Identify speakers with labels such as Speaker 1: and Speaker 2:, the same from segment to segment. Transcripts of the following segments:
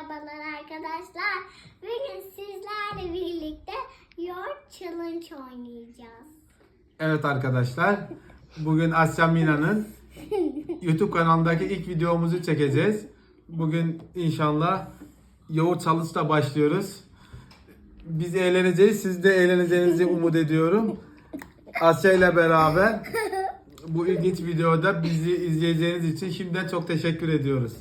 Speaker 1: Merhabalar arkadaşlar. Bugün sizlerle birlikte yoğurt challenge oynayacağız.
Speaker 2: Evet arkadaşlar, bugün Asya Mina'nın YouTube kanalındaki ilk videomuzu çekeceğiz. Bugün inşallah yoğurt challenge'la başlıyoruz. Biz eğleneceğiz, siz de eğleneceğinizi umut ediyorum. Asya ile beraber bu ilginç videoda bizi izleyeceğiniz için şimdiden çok teşekkür ediyoruz.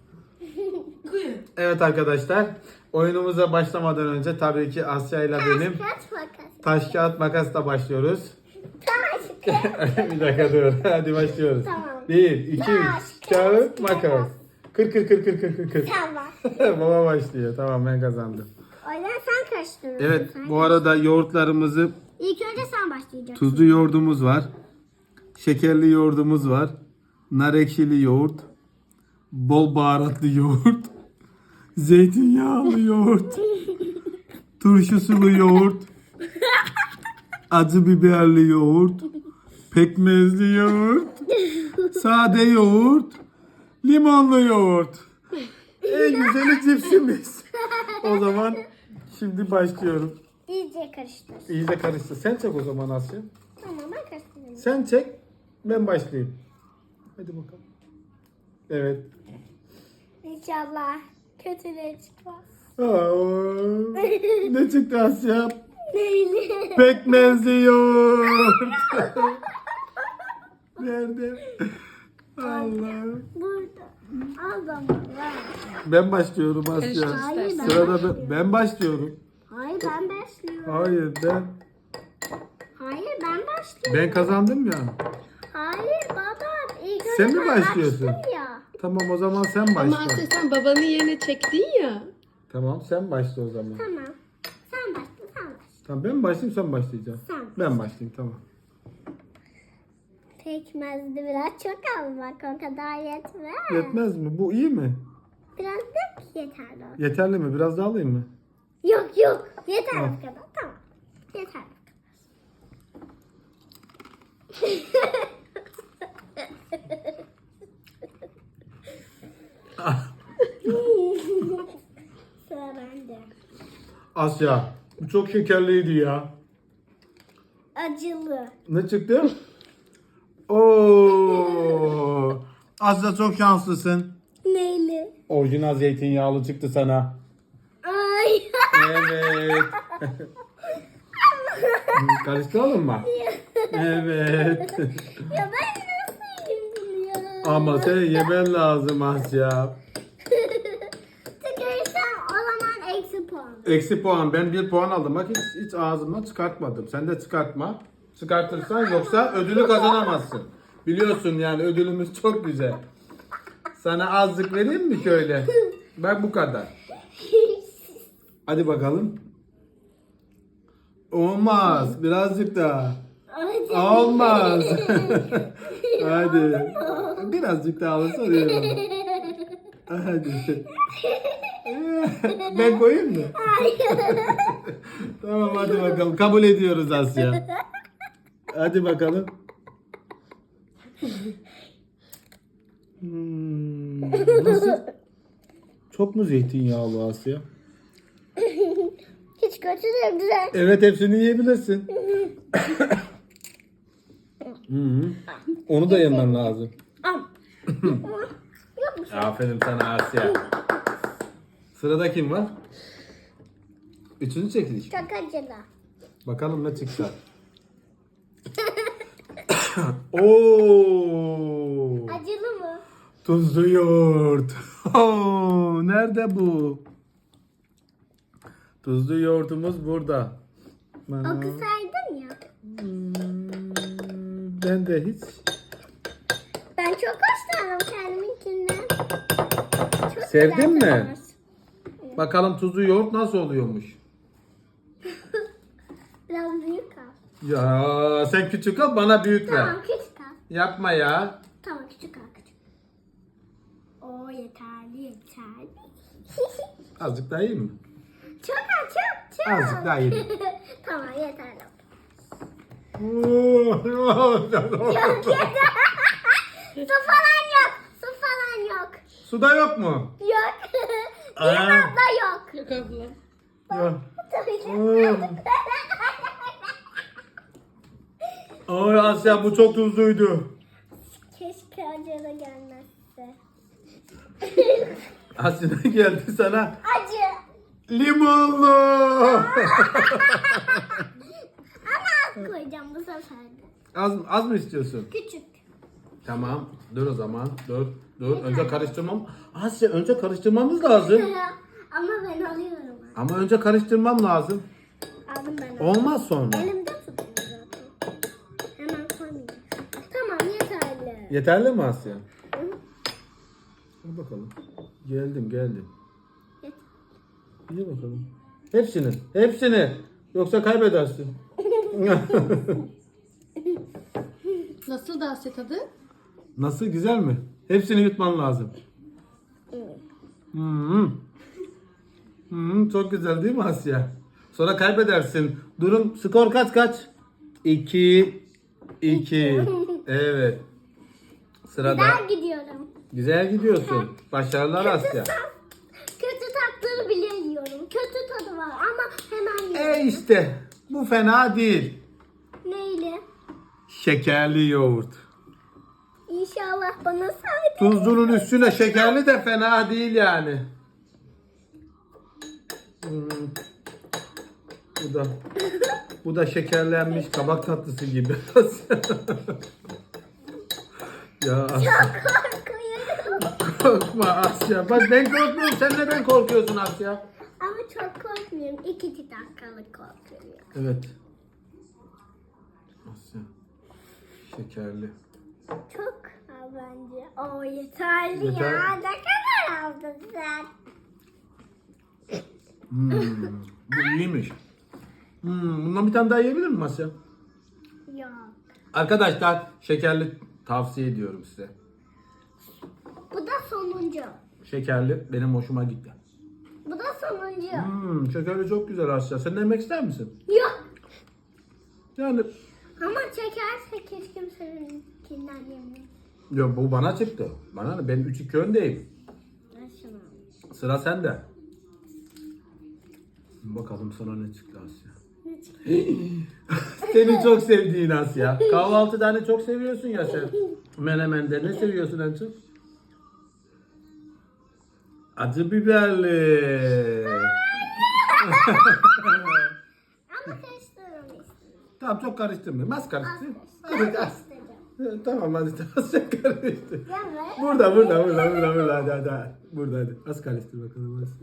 Speaker 2: Evet arkadaşlar, oyunumuza başlamadan önce tabii ki Asya ile benim taş kağıt makasla başlıyoruz. Bir dakika dur. Hadi başlıyoruz.
Speaker 1: Tamam.
Speaker 2: 1, 2, 3. Kağıt, makas. Kır.
Speaker 1: Tamam.
Speaker 2: Baba başlıyor. Tamam, ben kazandım.
Speaker 1: O yüzden sen karıştırıyorsun.
Speaker 2: Evet, bu arada yoğurtlarımızı
Speaker 1: İlk önce sen başlayacaksın.
Speaker 2: tuzlu yoğurdumuz var. Şekerli yoğurdumuz var. Nar ekşili yoğurt. Bol baharatlı yoğurt. Zeytinyağlı yoğurt. Turşusulu yoğurt. Acı biberli yoğurt. Pekmezli yoğurt. Sade yoğurt. Limonlu yoğurt. En güzeli cipsimiz. O zaman şimdi başlıyorum.
Speaker 1: İyice karıştır.
Speaker 2: İyice karıştı. Sen çek o zaman Asya.
Speaker 1: Tamam, ben karıştırayım.
Speaker 2: Sen çek. Ben başlayayım. Hadi bakalım. Evet.
Speaker 1: İnşallah kötüleri çıkmaz.
Speaker 2: Aa, ne çıktı Asya?
Speaker 1: Neyli?
Speaker 2: Pekmezli yoğurt. Nerede? Allah.
Speaker 1: Burada. Al zaman ver.
Speaker 2: Ben başlıyorum Asya.
Speaker 1: Hayır, ben
Speaker 2: Sırada ben başlıyorum.
Speaker 1: Hayır, ben başlıyorum.
Speaker 2: Hayır ben.
Speaker 1: Hayır, ben başlıyorum.
Speaker 2: Ben kazandım ya.
Speaker 1: Hayır baba. İlk önce
Speaker 2: Sen mi
Speaker 1: ben
Speaker 2: başlıyorsun?
Speaker 1: açtım ya.
Speaker 2: Tamam o zaman sen
Speaker 3: Ama
Speaker 2: başla.
Speaker 3: Asya sen babanın yerine çektin ya.
Speaker 2: Tamam sen başla o zaman.
Speaker 1: Tamam. Sen başla, sen başla.
Speaker 2: Tamam ben mi başlayayım sen mi başlayacaksın?
Speaker 1: Sen.
Speaker 2: Ben başlayayım tamam.
Speaker 1: Pekmezli biraz çok al bak, o kadar yetmez.
Speaker 2: Yetmez mi? Bu iyi mi?
Speaker 1: Biraz da yeterli olsun.
Speaker 2: Yeterli mi? Biraz daha alayım mı?
Speaker 1: Yok yeter
Speaker 2: Al.
Speaker 1: bu kadar, tamam. Yeter. Sıra bende.
Speaker 2: Asya. Bu çok şekerliydi ya.
Speaker 1: Acılı.
Speaker 2: Ne çıktı? Oo. Asya çok şanslısın.
Speaker 1: Neyli?
Speaker 2: Orijinal zeytinyağlı çıktı sana.
Speaker 1: Ay.
Speaker 2: Evet. Karıştıralım mı? Evet.
Speaker 1: Ya ben nasıl yiyeyim ya?
Speaker 2: Ama sen yemen lazım Asya.
Speaker 1: Tükürürsem o zaman eksi puan.
Speaker 2: Eksi puan. Ben 1 puan aldım. Bak hiç ağzımdan çıkartmadım. Sen de çıkartma. Çıkartırsan yoksa ödülü kazanamazsın. Biliyorsun yani ödülümüz çok güzel. Sana azlık vereyim mi şöyle? Bak bu kadar. Hadi bakalım. Olmaz. Birazcık daha. Olmaz. Hadi. Birazcık daha alırsa oluyor. Hadi. Ben koyayım mı? Tamam hadi bakalım. Kabul ediyoruz Asya. Hadi bakalım. Nasıl? Çok mu zeytinyağlı Asya?
Speaker 1: Hiç kötü değil, güzel.
Speaker 2: Evet hepsini yiyebilirsin. Onu da yemen lazım. Aferin sana Asya. Sırada kim var? Üçüncü çekiliş.
Speaker 1: Çok acılı.
Speaker 2: Bakalım ne çıkacak. Oo!
Speaker 1: Acılı mı?
Speaker 2: Tuzlu yoğurt. Oo, nerede bu? Tuzlu yoğurtumuz burada.
Speaker 1: Okusaydın ya.
Speaker 2: Ben de hiç.
Speaker 1: Ben çok hoşlandım kendiminkinden. Çok
Speaker 2: Sevdin
Speaker 1: güzel
Speaker 2: mi?
Speaker 1: tadı.
Speaker 2: Bakalım tuzlu yoğurt nasıl oluyormuş.
Speaker 1: Biraz büyük al.
Speaker 2: Ya sen küçük al bana büyük ver.
Speaker 1: Tamam, küçük al.
Speaker 2: Yapma ya.
Speaker 1: Tamam, küçük al, küçük. Oo, yeterli.
Speaker 2: Azıcık daha iyi mi?
Speaker 1: Çok al, çok.
Speaker 2: Azıcık daha iyi.
Speaker 1: Tamam, yeterli.
Speaker 2: Oo,
Speaker 1: Çok yeter. Su falan yok. Su falan yok.
Speaker 2: Suda yok mu?
Speaker 1: Yok. abla yok.
Speaker 3: Yok abla.
Speaker 2: Ya. Ay Asya bu çok tuzluydu.
Speaker 1: Keşke acı da gelmezse.
Speaker 2: Asya ne geldi sana?
Speaker 1: Acı.
Speaker 2: Limonlu.
Speaker 1: Ama az koyacağım bu sefer de.
Speaker 2: Az mı istiyorsun?
Speaker 1: Küçük.
Speaker 2: Tamam. Dur o zaman. Dur. Önce karıştırmam. Asya önce karıştırmamız lazım.
Speaker 1: Ama ben alıyorum.
Speaker 2: Ama önce karıştırmam lazım.
Speaker 1: Aldım ben.
Speaker 2: Olmaz sonra.
Speaker 1: Elimde tutuyor zaten. Hemen koymayacağım. Tamam yeterli.
Speaker 2: Yeterli mi Asya?
Speaker 1: Hı.
Speaker 2: Dur bakalım. Geldim.
Speaker 1: Yeter.
Speaker 2: İyi bakalım. Hepsini. Yoksa kaybedersin.
Speaker 3: Nasıl da Asya tadı?
Speaker 2: Nasıl, güzel mi? Hepsini yutman lazım. Çok güzel değil mi Asya? Sonra kaybedersin. Durum, skor kaç? 2. Evet. Sırada.
Speaker 1: Ben gidiyorum.
Speaker 2: Güzel gidiyorsun. Başarılar Asya.
Speaker 1: Kötü tatları bile yiyorum. Kötü tadı var ama hemen yiyorum.
Speaker 2: İşte bu fena değil.
Speaker 1: Neyle?
Speaker 2: Şekerli yoğurt.
Speaker 1: İnşallah bana sahip.
Speaker 2: Tuzlunun üstüne şekerli de fena değil yani. Bu da şekerlenmiş kabak tatlısı gibi. Ya Asya,
Speaker 1: Korkuyorum.
Speaker 2: korkma Asya. Bak ben korkmuyorum. Sen neden korkuyorsun Asya?
Speaker 1: Ama çok korkmuyorum. 2 dakikalık korkuyorum.
Speaker 2: Evet. Asya. Şekerli.
Speaker 1: Çok bence. O yeterli
Speaker 2: Yeter.
Speaker 1: ya. Ne kadar aldın sen?
Speaker 2: Bu iyiymiş. Bundan bir tane daha yiyebilir miyim Asya?
Speaker 1: Yok.
Speaker 2: Arkadaşlar şekerli tavsiye ediyorum size.
Speaker 1: Bu da sonuncu.
Speaker 2: Şekerli benim hoşuma gitti.
Speaker 1: Bu da sonuncu.
Speaker 2: Şekerli çok güzel Asya. Sen de yemek ister misin?
Speaker 1: Yok.
Speaker 2: Yani
Speaker 1: Ama çekerse keşke seninkinden yemeyeyim.
Speaker 2: ya bu bana çıktı. Bana ne? Ben 3-2 öndeyim.
Speaker 1: Ben şunu.
Speaker 2: Sıra sende. Bakalım sana ne çıktı Asya.
Speaker 1: Ne çıktı?
Speaker 2: Seni çok sevdiğin Asya. Kahvaltıda hani çok seviyorsun ya sen. Menemende ne seviyorsun en çok? Acı biberli.
Speaker 1: Ama karıştırırım istedim.
Speaker 2: Tamam çok karıştırmayayım. Az karıştır.
Speaker 1: Az
Speaker 2: Hadi az.
Speaker 1: karıştıracağım.
Speaker 2: Tamam hadi az çok karıştır.
Speaker 1: Evet.
Speaker 2: Burada hadi. Burada hadi. Az karıştır bakalım Asya.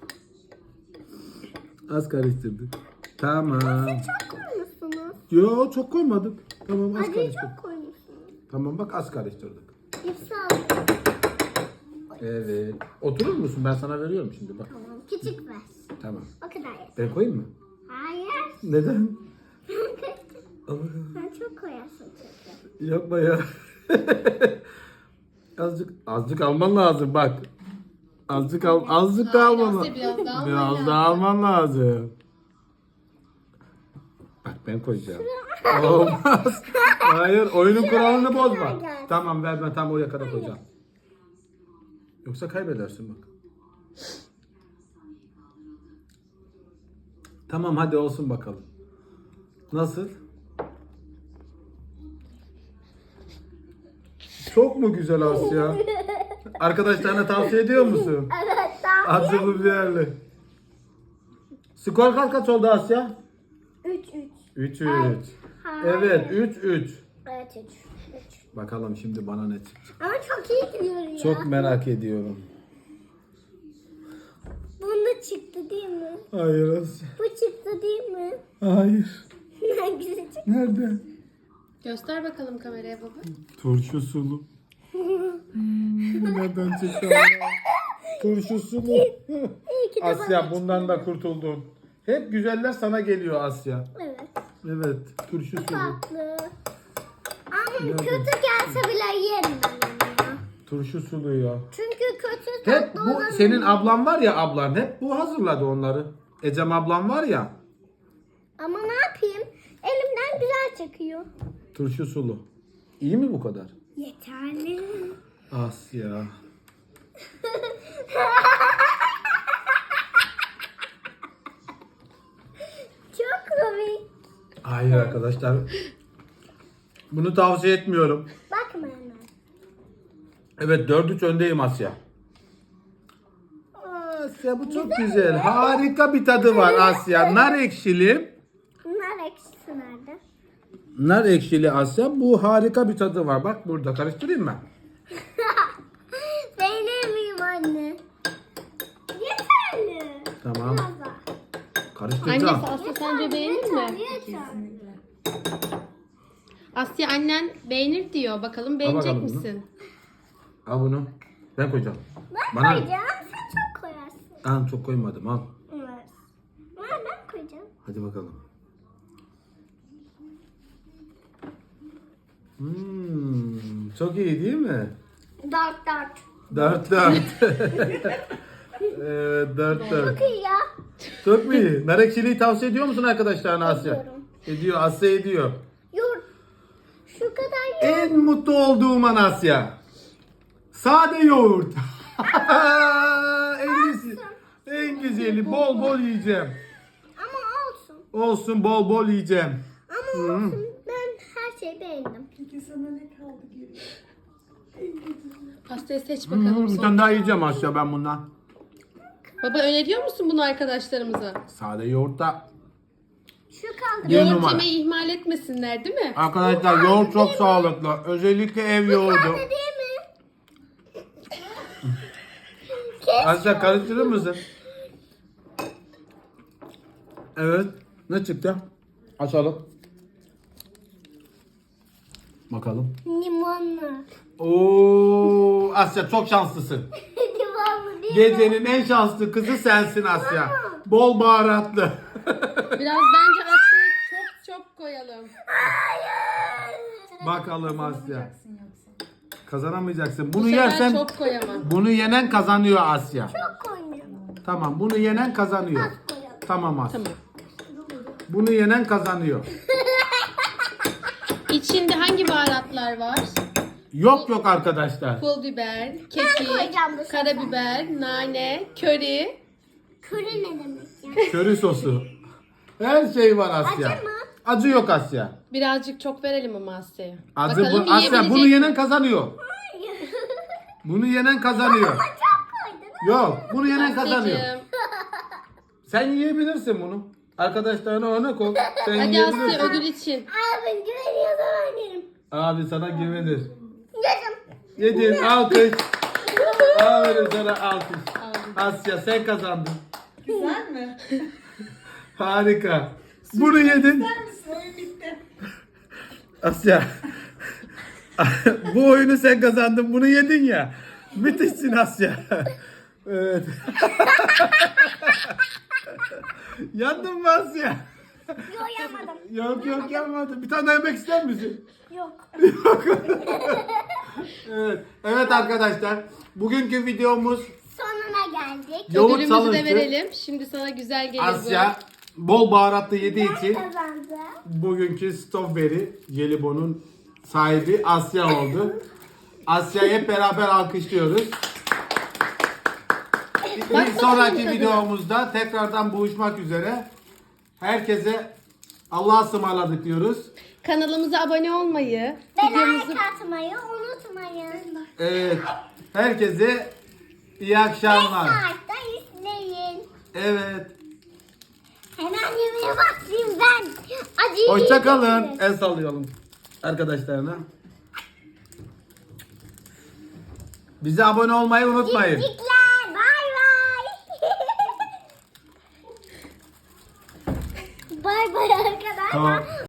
Speaker 2: Az karıştırdık. Tamam.
Speaker 1: Çok koymuşsunuz.
Speaker 2: Yo çok koymadık. Tamam az
Speaker 1: Acıyı
Speaker 2: karıştırdık.
Speaker 1: çok koymuşsunuz.
Speaker 2: Tamam bak az karıştırdık.
Speaker 1: Hepsi aldım.
Speaker 2: Evet. Oturur musun? Ben sana veriyorum şimdi bak.
Speaker 1: Tamam. Küçük ver.
Speaker 2: Tamam.
Speaker 1: O kadar yeter.
Speaker 2: Ben koyayım mı?
Speaker 1: Hayır.
Speaker 2: Neden? Ama
Speaker 1: Sen çok koyarsın çünkü.
Speaker 2: yapma ya. azıcık alman lazım bak. Azıcık
Speaker 3: Hayır,
Speaker 2: alman
Speaker 3: Asya, biraz daha alman
Speaker 2: Biraz
Speaker 3: lazım.
Speaker 2: daha alman lazım. Bak ben koyacağım. Olmaz. Hayır oyunun kuralını bozma.
Speaker 1: gel.
Speaker 2: Tamam ver ben tam oraya kadar koyacağım. Yoksa kaybedersin bak. Tamam hadi olsun bakalım. Nasıl? Çok mu güzel Asya? Arkadaşlarına tavsiye ediyor musun?
Speaker 1: Evet. Daha
Speaker 2: Acılı biberli. Skor kaç oldu Asya?
Speaker 1: 3.
Speaker 2: 3-3. Evet 3-3.
Speaker 1: Evet 3.
Speaker 2: Bakalım şimdi bana ne çıkacak.
Speaker 1: Ama çok iyi gidiyor ya.
Speaker 2: Çok merak ediyorum.
Speaker 1: Bunda çıktı değil mi?
Speaker 2: Hayır Asya.
Speaker 1: Bu çıktı değil mi?
Speaker 2: Hayır.
Speaker 1: Hangisi çıktı?
Speaker 2: Nerede?
Speaker 3: Göster bakalım kameraya baba.
Speaker 2: Turşu sulu. Nereden çıktı Allah? Turşu sulu.
Speaker 1: İyi ki de
Speaker 2: Asya
Speaker 1: bana
Speaker 2: bundan da kurtuldun. Hep güzeller sana geliyor Asya.
Speaker 1: çıktı. Evet.
Speaker 2: Evet, turşu sulu.
Speaker 1: Tatlı. Ama
Speaker 2: Nerede?
Speaker 1: kötü gelse bile yerim ben onu ya.
Speaker 2: Turşu sulu ya.
Speaker 1: Çünkü kötü
Speaker 2: Hep
Speaker 1: tatlı
Speaker 2: bu
Speaker 1: olan-
Speaker 2: senin ablan var ya ablan hep bu hazırladı onları. Ecem ablam var ya.
Speaker 1: Ama ne yapayım? Elimden güzel çıkıyor.
Speaker 2: Turşu sulu. İyi mi bu kadar?
Speaker 1: Yeterli.
Speaker 2: Asya. arkadaşlar. Bunu tavsiye etmiyorum.
Speaker 1: Bakma hemen.
Speaker 2: Evet 4-3 öndeyim Asya. Asya bu çok güzel. Harika bir tadı var Asya. Nar ekşili.
Speaker 1: Nar ekşisi nerede?
Speaker 2: Nar ekşili Asya. Bu harika bir tadı var. Bak burada karıştırayım mı?
Speaker 1: Beğenir miyim anne? Yeterli.
Speaker 2: Tamam.
Speaker 1: Biraz daha.
Speaker 2: Karıştıracağım.
Speaker 3: Annesi Asya sence beğenir mi?
Speaker 1: Yeter.
Speaker 3: Asya annen beğenir diyor. Bakalım beğenecek
Speaker 2: bakalım bunu.
Speaker 3: misin?
Speaker 2: Al bunu. Ben koyacağım.
Speaker 1: Ben
Speaker 2: Bana-
Speaker 1: koyacağım. Sen çok koyarsın.
Speaker 2: Al çok koymadım al.
Speaker 1: Evet. Ben koyacağım.
Speaker 2: Hadi bakalım. Çok iyi değil mi?
Speaker 1: 4.
Speaker 2: 4-4. Evet 4-4.
Speaker 1: Çok iyi ya.
Speaker 2: Çok mu iyi? Nar ekşiliği tavsiye ediyor musun arkadaşlarına Asya?
Speaker 1: Ediyorum.
Speaker 2: Ediyor. Asya ediyor.
Speaker 1: Yoğurt. Şu kadar yoğurt.
Speaker 2: En mutlu olduğum an Asya. Sade yoğurt. En iyisi. En güzeli. Bol bol yiyeceğim.
Speaker 1: Ama olsun.
Speaker 2: Olsun bol bol yiyeceğim.
Speaker 1: Ama olsun. Ben her şeyi beğendim.
Speaker 3: Asya seç bakalım.
Speaker 2: Bir
Speaker 3: son.
Speaker 2: tane daha yiyeceğim Asya ben bundan.
Speaker 3: Baba öneriyor musun bunu arkadaşlarımıza?
Speaker 2: Sade yoğurtta.
Speaker 1: Şu kaldı.
Speaker 2: Bir
Speaker 3: Yoğurt
Speaker 2: numara.
Speaker 3: yemeyi ihmal etmesinler değil mi?
Speaker 2: Arkadaşlar yoğurt çok sağlıklı. Özellikle ev yoğurdu.
Speaker 1: Kaldı değil mi? Kes.
Speaker 2: Asya karıştırır mısın? Evet. Ne çıktı? Açalım. Bakalım.
Speaker 1: Limonlu.
Speaker 2: Oo, Asya çok şanslısın.
Speaker 1: Limonlu değil mi?
Speaker 2: Gecenin en şanslı kızı sensin Asya. Bol baharatlı.
Speaker 3: Biraz bence Asya'ya çok koyalım.
Speaker 2: Bakalım Asya. Kazanamayacaksın. Bunu
Speaker 3: Bu sefer
Speaker 2: yersen
Speaker 3: çok koyamam.
Speaker 2: bunu yenen kazanıyor Asya.
Speaker 1: Çok koyuyorum.
Speaker 2: Tamam, bunu yenen kazanıyor.
Speaker 1: Az koyalım.
Speaker 2: Tamam Asya.
Speaker 3: Tamam.
Speaker 2: Bunu yenen kazanıyor.
Speaker 3: İçinde hangi baharatlar var?
Speaker 2: Yok arkadaşlar.
Speaker 3: Pul biber,
Speaker 1: koyacağım
Speaker 3: kekik,
Speaker 1: bu sefer.
Speaker 3: karabiber, nane, köri.
Speaker 1: Köri ne demek ya?
Speaker 2: Köri sosu. Her şey var Asya.
Speaker 1: Acı mı?
Speaker 2: Acı yok Asya.
Speaker 3: Birazcık çok verelim ama Asya'ya.
Speaker 2: Acı
Speaker 3: Bakalım
Speaker 2: bu. Asya bunu
Speaker 3: yiyebilecek
Speaker 2: yenen
Speaker 3: mi?
Speaker 2: kazanıyor. Bunu yenen kazanıyor.
Speaker 1: Çok koydun.
Speaker 2: Yok, bunu yenen kazanıyor.
Speaker 3: Asya'cığım.
Speaker 2: Sen yiyebilirsin bunu. Arkadaşlarına örnek ol. Sen
Speaker 3: Hadi
Speaker 2: yiyebilirsin.
Speaker 3: Asya ödül için.
Speaker 1: Abi güveniyorsam oynarım.
Speaker 2: Abi sana güvenir.
Speaker 1: Yedim.
Speaker 2: Yedin alkış. Aferin sana alkış. Asya sen kazandın.
Speaker 4: Güzel mi?
Speaker 2: Harika. Bunu yedin.
Speaker 4: Güzel misin? Oyun bitti.
Speaker 2: Asya. Bu oyunu sen kazandın. Bunu yedin ya. Müthişsin Asya. Evet. Yandın mı Asya?
Speaker 1: Yok yapmadım.
Speaker 2: Yok yapmadım. Bir tane daha yemek ister misin?
Speaker 1: Yok.
Speaker 2: Evet. Evet arkadaşlar. Bugünkü videomuz
Speaker 1: Sonuna geldik.
Speaker 2: yoğurt
Speaker 3: Ödülümüzü de
Speaker 2: salıncı.
Speaker 3: verelim. Şimdi sana güzel gelir
Speaker 2: Asya bol baharatlı yediği için
Speaker 1: Kazandı.
Speaker 2: bugünkü Strawberry Jelibon'un sahibi Asya oldu. Asya'yı hep beraber alkışlıyoruz. Bir
Speaker 3: bakalım
Speaker 2: sonraki
Speaker 3: tadına.
Speaker 2: videomuzda tekrardan buluşmak üzere. Herkese Allah'a ısmarladık diyoruz.
Speaker 3: bu. Kanalımıza abone olmayı,
Speaker 1: Ve
Speaker 3: videomuzu
Speaker 1: like atmayı unutmayın.
Speaker 2: Evet. Herkese iyi akşamlar.
Speaker 1: Saatte izleyin.
Speaker 2: Evet.
Speaker 1: Hemen yemeğe başlayayım ben. Acıyı
Speaker 2: Hoşça kalın.
Speaker 1: yiyeceksiniz.
Speaker 2: El sallayalım arkadaşlarına. Bize abone olmayı unutmayın.
Speaker 1: Cikler. Bay bay. Bay bay arkadaşlar.
Speaker 2: Tamam.